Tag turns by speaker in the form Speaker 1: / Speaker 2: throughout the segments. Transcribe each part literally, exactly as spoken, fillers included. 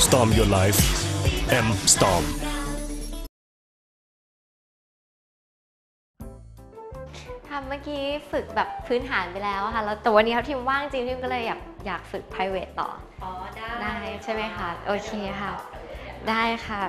Speaker 1: Storm your life M Storm
Speaker 2: ทำเมื่อกี้ฝึกแบบพื้นฐานไปแล้วค่ะแล้วแต่วันนี้เขาทีมว่างจริงทีมก็เลยอยากอยากฝึก private ต่ออ๋อได้ได้ใช่ไหมคะโอเคค่ะได้ค่ะ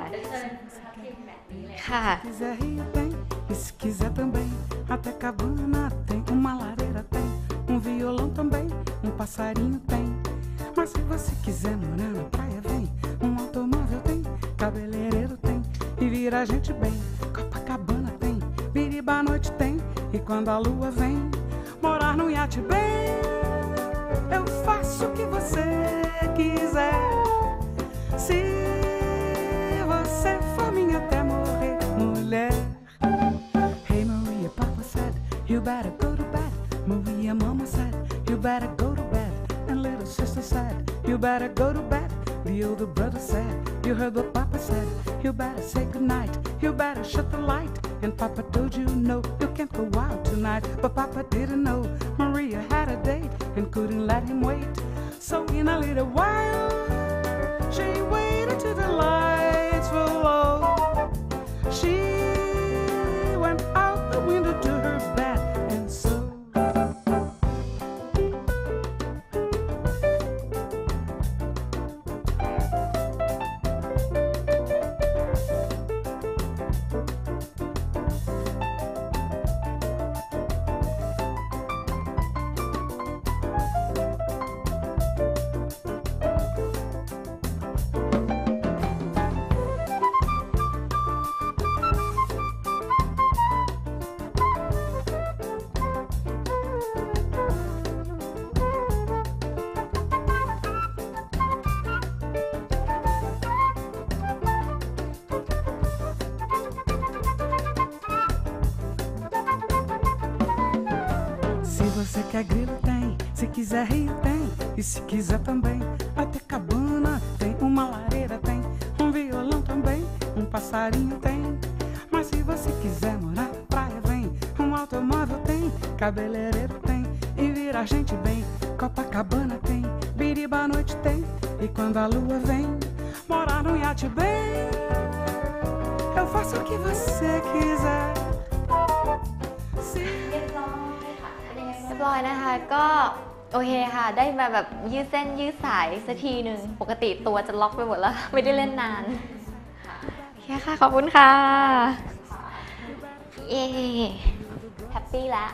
Speaker 2: ค่ะ
Speaker 3: E se quiser também, até cabana tem, uma lareira tem, um violão também, um passarinho tem. Mas se você quiser morar na praia, vem, um automóvel tem, cabeleireiro tem, e vira a gente bem. Copacabana tem, Biriba à noite tem, e quando a lua vem, morar num iate bem. Eu faço o que você quiser, se você for minha até morrer, mulher.Hey Maria, Papa said, you better go to bed. Maria, Mama said, you better go to bed. And little sister said, you better go to bed. The older brother said, you heard what Papa said, you better say goodnight. You better shut the light. And Papa told you no, you can't go out tonight. But Papa didn't know Maria had a date and couldn't let him wait. So in a little while, she waited till the lights were low. She.Went out the window to her bed and so Se você quer grilo tem, se quiser rio tem, e se quiser também, até cabana tem, uma lareira tem, um violão também, um passarinho tem. Mas se você quiser morar na praia vem, um automóvel tem, cabeleireiro tem, e vira a gente bem. Copacabana tem, Biriba à noite tem, e quando a lua vem, morar num iate bem. Eu faço o que você quiser.
Speaker 2: เรียบร้อยนะคะก็โอเคค่ะได้มาแบบยืดเส้นยืดสายสักทีหนึ่งปกติตัวจะล็อกไปหมดแล้วไม่ได้เล่นนานโอเคค่ะขอบคุณค่ะเย้แฮปปี้แล้ว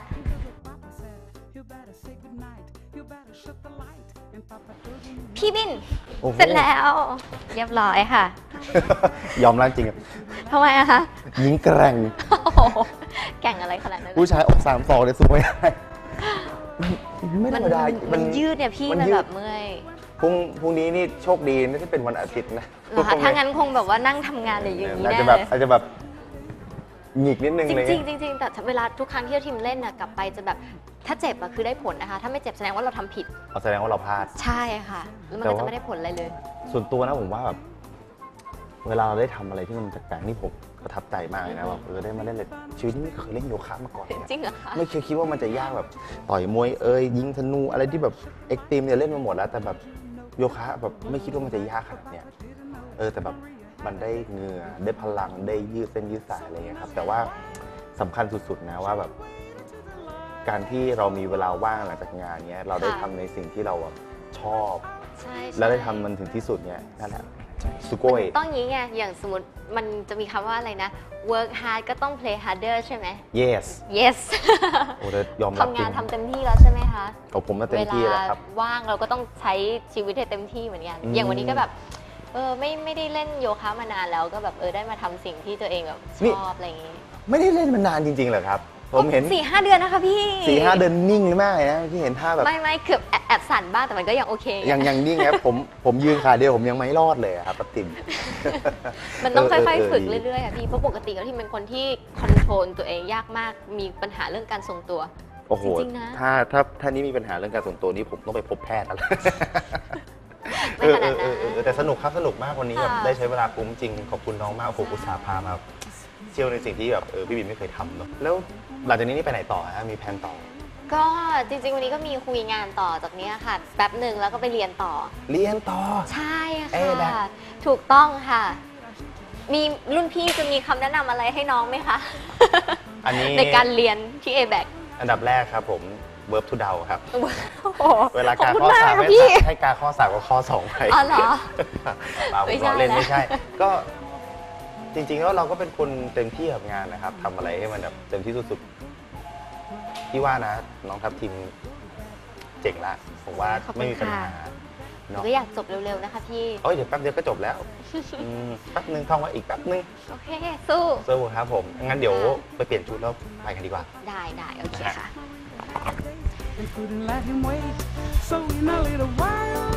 Speaker 2: พี่บินเสร็จแล้วเรียบร้อยค่ะ
Speaker 4: ยอมรับจริง
Speaker 2: ทำไมอะคะ
Speaker 4: ยิงแกร่ง
Speaker 2: แก่งอะไรขนาดนั้น
Speaker 4: ผู้ชายอกสามศอกเลยสู้ไม่ได้ไม่ธรรมดา
Speaker 2: มันยืดเนี่ยพี่มันแบบเมื่อย
Speaker 4: พรุ่งพรุ่งนี้นี่โชคดีไม่ใช่เป็นวันอาทิตย์นะ
Speaker 2: ถ้างั้นคงแบบว่านั่งทำงานอย่างนี้แน่เลย
Speaker 4: อาจจะแบบหงิกนิดนึงเลย
Speaker 2: จริงจริงจริงแต่เวลาทุกครั้งที่เราทีมเล่นน่ะกลับไปจะแบบถ้าเจ็บอะคือได้ผลนะคะถ้าไม่เจ็บแสดงว่าเราทำผิด
Speaker 4: แสดงว่าเราพลาด
Speaker 2: ใช่ค่ะแล้วมันก็จะไม่ได้ผลอะไรเลย
Speaker 4: ส่วนตัวนะผมว่าแบบเวลาเราได้ทำอะไรที่มันแปลกๆนี่ผมประทับใจมากเลยนะแบบเออได้มาเล่นเลยชีวิตนี้ไม่เคยเล่นโยคะมาก่อน
Speaker 2: จริงเหรอคะ
Speaker 4: ไม่เคยคิดว่ามันจะยากแบบต่อยมวยเอ้ยยิงธนูอะไรที่แบบเอ็กซ์ตรีมเนี่ยเล่นมาหมดแล้วแต่แบบโยคะแบบไม่คิดว่ามันจะยากขนาดเนี้ยเออแต่แบบมันได้เหงื่อได้พลังได้ยืดเส้นยืดสายอะไรเงี้ยครับแต่ว่าสำคัญสุดๆนะว่าแบบการที่เรามีเวลาว่างหลังจากงานเนี้ยเราได้ทำในสิ่งที่เราชอบแล้วได้ทำมันถึงที่สุดเนี้ยนั่นแหละสุโกย
Speaker 2: ต้องอย่างนี้ไงอย่างสมมติมันจะมีคำว่าอะไรนะ work hard ก็ต้อง play harder ใช่ไหม
Speaker 4: yes
Speaker 2: yes
Speaker 4: โอ้ยอมรับ
Speaker 2: ทำงานทำเต็มที่แล้วใช่ไหมคะ
Speaker 4: กับผมมาเต็มที่แล้วครับ
Speaker 2: ว่างเราก็ต้องใช้ชีวิตให้เต็มที่เหมือนกันอย่างวันนี้ก็แบบเออไม่ไม่ได้เล่นโยคะมานานแล้วก็แบบเออได้มาทำสิ่งที่ตัวเองแบบชอบอะไรอย่างนี้
Speaker 4: ไม่ได้เล่นมานานจริงๆเหรอครับผมเห็น
Speaker 2: สี่ห้าเดือนนะคะพี่
Speaker 4: สี่ห้าเดือนนิ่งมากเลยนะพี่เห็นท่าแบบ
Speaker 2: ไม่ไม่เกือบแอบสั่นบ้างแต่มันก็ยังโอเค
Speaker 4: ยังยังนิ่งครับผมผมยืนขาเดียวผมยังไม่รอดเลยครับป้าติ๋ม
Speaker 2: มันต้องค่อยๆฝึกเรื่อยๆค่ะพี่เพราะปกติแล้วที่เป็นคนที่คอนโทรลตัวเองยากมากมีปัญหาเรื่องการทรงตัว
Speaker 4: โอ้โหถ้าถ้าถ้านี้มีปัญหาเรื่องการทรงตัวนี้ผมต้องไปพบแพทย์แล้วไม่ขนาดนั้นแต่สนุกครับสนุกมากวันนี้แบบได้ใช้เวลาคุ้มจริงขอบคุณน้องมากผมอุตส่าห์พามาเที่ยวในสิ่งที่แบบเออพี่บินไม่เคยทำเนาะแล้วหลังจากนี้นี่ไปไหนต่อฮะมีแผนต่อ
Speaker 2: ก็จริงๆวันนี้ก็มีคุยงานต่อจากนี้ค่ะแป๊บหนึ่งแล้วก็ไปเรียนต่อ
Speaker 4: เรียนต่อ
Speaker 2: ใช่
Speaker 4: เอ๊ะแบ็
Speaker 2: ค่ะ
Speaker 4: ค
Speaker 2: ถูกต้องค่ะ มีรุ่นพี่จะมีคำแนะนำอะไรให้น้องไหมคะ
Speaker 4: อันนี้
Speaker 2: ในการเรียนที่ เอ แบค
Speaker 4: อันดับแรกครับผม verb to เดาครับ
Speaker 2: โอ้โห
Speaker 4: เวลา
Speaker 2: ขอบ
Speaker 4: การ
Speaker 2: คุณ
Speaker 4: ข้อ
Speaker 2: มาก
Speaker 4: สาม
Speaker 2: ค่ะ
Speaker 4: ให้
Speaker 2: พี่
Speaker 4: ให้การข้อสามกับข้อสองไป
Speaker 2: อ๋อเหรอ
Speaker 4: เปล่าผ
Speaker 2: ไม่
Speaker 4: ม
Speaker 2: ใช่
Speaker 4: ล้อเล่น
Speaker 2: นะ
Speaker 4: ไม่ใช่ ก็จริงๆแล้วเราก็เป็นคนเต็มที่กับงานนะครับทำอะไรให้มันแบบเต็มที่สุดๆพี่ว่านะ น้องทัพทีมเจ๋งละผมว่า
Speaker 2: ขอบคุณ
Speaker 4: ไม่มีปัญหา
Speaker 2: ค่ะ หนู
Speaker 4: เนาะ
Speaker 2: ก็อยากจบเร็วๆนะคะพี่
Speaker 4: เอ้ยเดี๋ยวแป๊บเดียวก็จบแล้วอืมแป๊บนึงท่องไว้อีกแป๊บนึง
Speaker 2: โอเค สู้
Speaker 4: สู้ครับผมงั้นเดี๋ยวไปเปลี่ยนชุดแล้วไปกันดีกว่า
Speaker 2: ได้ได้โอเคค่ะ
Speaker 3: They couldn't let him wait, so in a little while